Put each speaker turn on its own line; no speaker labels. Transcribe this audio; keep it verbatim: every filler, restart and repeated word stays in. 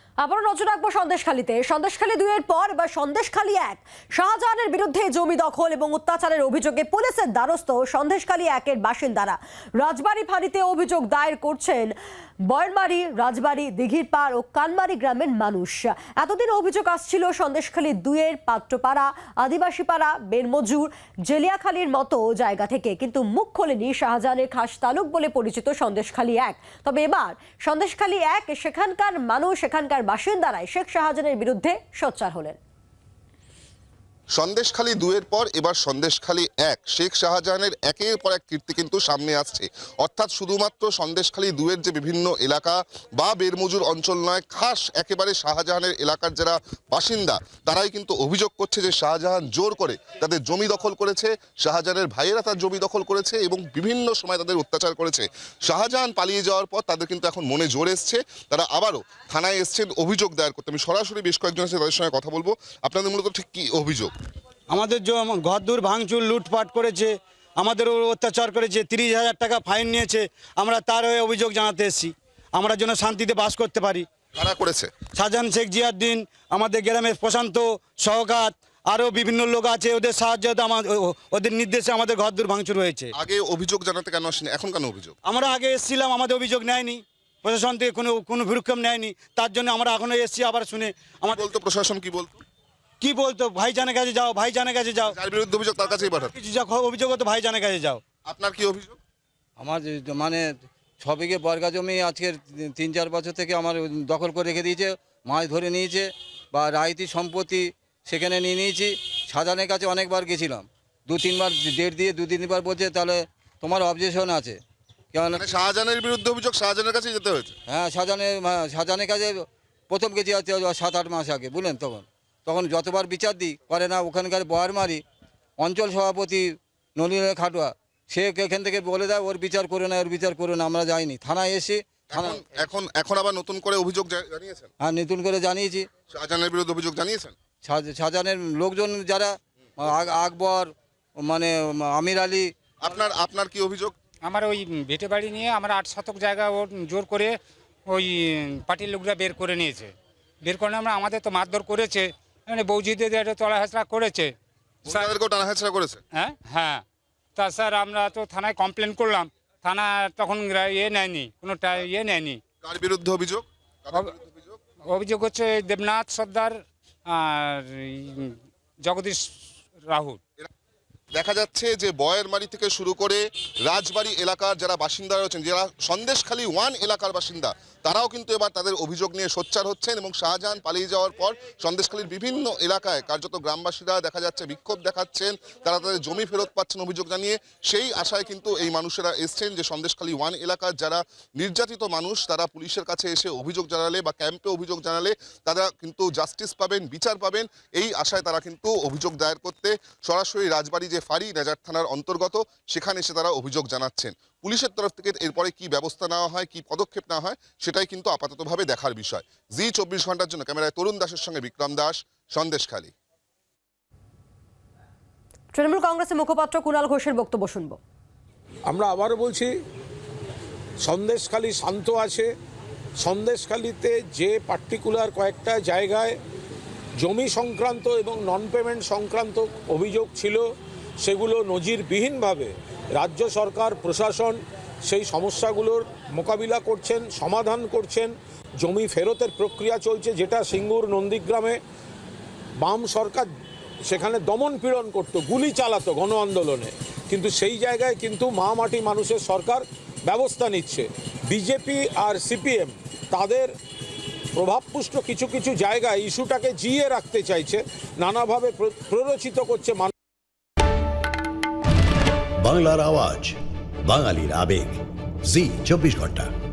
আবারও নজর রাখবো সন্দেশখালীতে। সন্দেশখালী দুইয়ের পর এবার সন্দেশখালী এক। শাহজাহানের বিরুদ্ধে জমি দখল এবং অত্যাচারের অভিযোগে পুলিশের দ্বারস্থ সন্দেশখালী একের বাসিন্দারা। রাজবাড়ী ফাঁড়িতে অভিযোগ দায়ের করছেন বয়রমারি, রাজবাড়ী, দিঘির পাড় ও কানমারি গ্রামের মানুষ। এতদিন অভিযোগ আসছিল সন্দেশখালী দুইয়ের পাত্রপাড়া, আদিবাসীপাড়া, বেরমজুর, জেলিয়াখালীর মতো জায়গা থেকে, কিন্তু মুখ খোলেনি শাহজাহানের খাস তালুক বলে পরিচিত সন্দেশখালী এক। তবে এবার সন্দেশখালী এক সেখানকার মানুষ, সেখানকার বাসিন্দারাই শেখ শাহজাহানের বিরুদ্ধে সোচ্চার হলেন।
সন্দেশখালী দুয়ের পর এবার সন্দেশখালী এক। শেখ শাহজাহানের একের পর এক কীর্তি কিন্তু সামনে আসছে। অর্থাৎ শুধুমাত্র সন্দেশখালী দুয়ের যে বিভিন্ন এলাকা বা বেরমজুর অঞ্চল নয়, খাস একেবারে শাহজাহানের এলাকার যারা বাসিন্দা তারাই কিন্তু অভিযোগ করছে যে শাহজাহান জোর করে তাদের জমি দখল করেছে, শাহজাহানের ভাইয়েরা তার জমি দখল করেছে এবং বিভিন্ন সময় তাদের অত্যাচার করেছে। শাহজাহান পালিয়ে যাওয়ার পর তাদের কিন্তু এখন মনে জোর এসছে, তারা আবারও থানায় এসছেন অভিযোগ দায়ের করতে। আমি সরাসরি বেশ কয়েকজন আছে তাদের সঙ্গে কথা বলবো। আপনাদের মূলত ঠিক কী অভিযোগ?
আমাদের ঘরদূর ভাঙচুর, লুটপাট করেছে, আমাদের অত্যাচার করেছে, তিরিশ হাজার টাকা ফাইন নিয়েছে। আমরা তার হয়ে অভিযোগ জানাতে এসেছি, আমরা যেন শান্তিতে বাস করতে পারি।
কারা করেছে?
শাহজাহান, শেখ জিয়াউদ্দিন, আমাদের গ্রামের প্রশান্ত, সওগাত, আরও বিভিন্ন লোক আছে, ওদের সাহায্য ওদের নির্দেশে আমাদের ঘরদূর ভাঙচুর হয়েছে।
আগে অভিযোগ জানাতে কেন আসেনি, এখন কেন অভিযোগ?
আমরা আগে এসেছিলাম, আমাদের অভিযোগ নেয়নি, প্রশাসন থেকে কোনো কোনো ভূরক্ষেপ নেয়নি, তার জন্য আমরা এখনো এসেছি। আবার শুনে আমার
বলতো প্রশাসন কি বলতো?
কি বলতো, ভাইজানের কাছে যাও, ভাইজানের কাছে যাও,
যার বিরুদ্ধে অভিযোগ তার কাছেই পাঠাতো।
কিছু যা অভিযোগ হতো ভাইজানের কাছে যাও।
আপনার কি অভিযোগ?
আমার যে- মানে ছ বিঘে বর্গা জমি আজকের তিন চার বছর থেকে আমার দখল করে রেখে দিয়েছে, মাছ ধরে নিয়েছে বা রায়তি সম্পত্তি সেখানে নিয়ে নিয়েছি। শাহজাহানের কাছে অনেকবার গেছিলাম, দু তিনবার ডেট দিয়ে দু তিনবার বলছে তাহলে তোমার অবজেকশন আছে। কেন?
মানে শাহজাহানের বিরুদ্ধে অভিযোগ শাহজাহানের কাছেই যেতে হয়েছে?
হ্যাঁ, শাহজাহানের হ্যাঁ, শাহজাহানের কাছে প্রথম গেছি হচ্ছে সাত আট মাস আগে, বুঝলেন। তখন তখন যতবার বিচার দিই করে না। ওখানকার বয়ারমারি অঞ্চল সভাপতি নলিনের খাটুয়া, সে এখান থেকে বলে দেয় ওর বিচার করে না, ওর বিচার করে না। আমরা যাইনি, থানায় এসে থানা
এখন এখন এখন আবার নতুন করে অভিযোগ জা- জানিয়েছেন?
হ্যাঁ, নতুন করে জানিয়েছি।
শাহজাহানের বিরুদ্ধে অভিযোগ জানিয়েছেন?
শাহ- শাহজাহানের লোকজন যারা আক- আকবর, মানে আমির আলী।
আপনার আপনার কি অভিযোগ?
আমার ওই ভিটে বাড়ি নিয়ে আমরা আট শতক জায়গা ওর জোর করে ওই পার্টির লোকরা বের করে নিয়েছে। বের করে আমরা আমাদের তো মারধর করেছে, মানে বৌজিদের একটা তলা হেঁচড়া করেছে।
তাদেরকেও টানা হেঁচড়া করেছে?
হ্যাঁ হ্যাঁ তা স্যার আমরা তো থানায় কমপ্লেন করলাম, থানা তখন ইয়ে নেয়নি, কোনো টা- ইয়ে নেয়নি।
কার বিরুদ্ধে অভিযোগ? কাদের বিরুদ্ধে অভিযোগ?
অভিযোগ হচ্ছে দেবনাথ সর্দার আর এই জগদীশ রাহুল।
দেখা যাচ্ছে যে বয়েরমারি থেকে শুরু করে রাজবাড়ী এলাকার যারা বাসিন্দা রয়েছেন, যারা সন্দেশখালী ওয়ান এলাকার বাসিন্দা, তারাও কিন্তু এবার তাদের অভিযোগ নিয়ে সোচ্চার হচ্ছেন। এবং শাহজাহান পালিয়ে যাওয়ার পর সন্দেশখালীর বিভিন্ন এলাকায় কার্যত গ্রামবাসীরা দেখা যাচ্ছে বিক্ষোভ দেখাচ্ছেন, তারা তাদের জমি ফেরত পাচ্ছেন অভিযোগ জানিয়ে। সেই আশায় কিন্তু এই মানুষেরা এসছেন যে সন্দেশখালী ওয়ান এলাকার যারা নির্যাতিত মানুষ, তারা পুলিশের কাছে এসে অভিযোগ জানালে বা ক্যাম্পে অভিযোগ জানালে তারা কিন্তু জাস্টিস পাবেন, বিচার পাবেন। এই আশায় তারা কিন্তু অভিযোগ দায়ের করতে সরাসরি রাজবাড়ী যে ফাঁড়ি নেজার থানার অন্তর্গত সেখানে এসে তারা অভিযোগ জানাচ্ছেন। পুলিশের তরফ থেকে এরপরে কি ব্যবস্থা নেওয়া হয়, কি পদক্ষেপ নেওয়া হয়, সেটাই কিন্তু আপাততভাবে দেখার বিষয়। জি চব্বিশ ঘন্টার জন্য ক্যামেরায় তরুণ দাসের সঙ্গে বিক্রম দাস, সন্দেশখালী।
তৃণমূল কংগ্রেসের মুখপাত্র কুণাল ঘোষের বক্তব্য শুনবো।
আমরা আবারও বলছি, সন্দেশখালী শান্ত আছে। সন্দেশখালীতে যে পার্টিকুলার কয়েকটা জায়গায় জমি সংক্রান্ত এবং নন পেমেন্ট সংক্রান্ত অভিযোগ ছিল, সেগুলো নজিরবিহীনভাবে রাজ্য সরকার, প্রশাসন সেই সমস্যাগুলোর মোকাবিলা করছেন, সমাধান করছেন। জমি ফেরতের প্রক্রিয়া চলছে, যেটা সিঙ্গুর নন্দীগ্রামে বাম সরকার সেখানে দমন পীড়ন করতো, গুলি চালাতো গণ আন্দোলনে, কিন্তু সেই জায়গায় কিন্তু মা মাটি মানুষের সরকার ব্যবস্থা নিচ্ছে। বিজেপি আর সিপিএম তাদের প্রভাবপুষ্ট কিছু কিছু জায়গায় ইস্যুটাকে জিয়ে রাখতে চাইছে, নানাভাবে প্ররোচিত করছে।
বাংলার আওয়াজ, বাঙালির আবেগ, জি চব্বিশ ঘন্টা।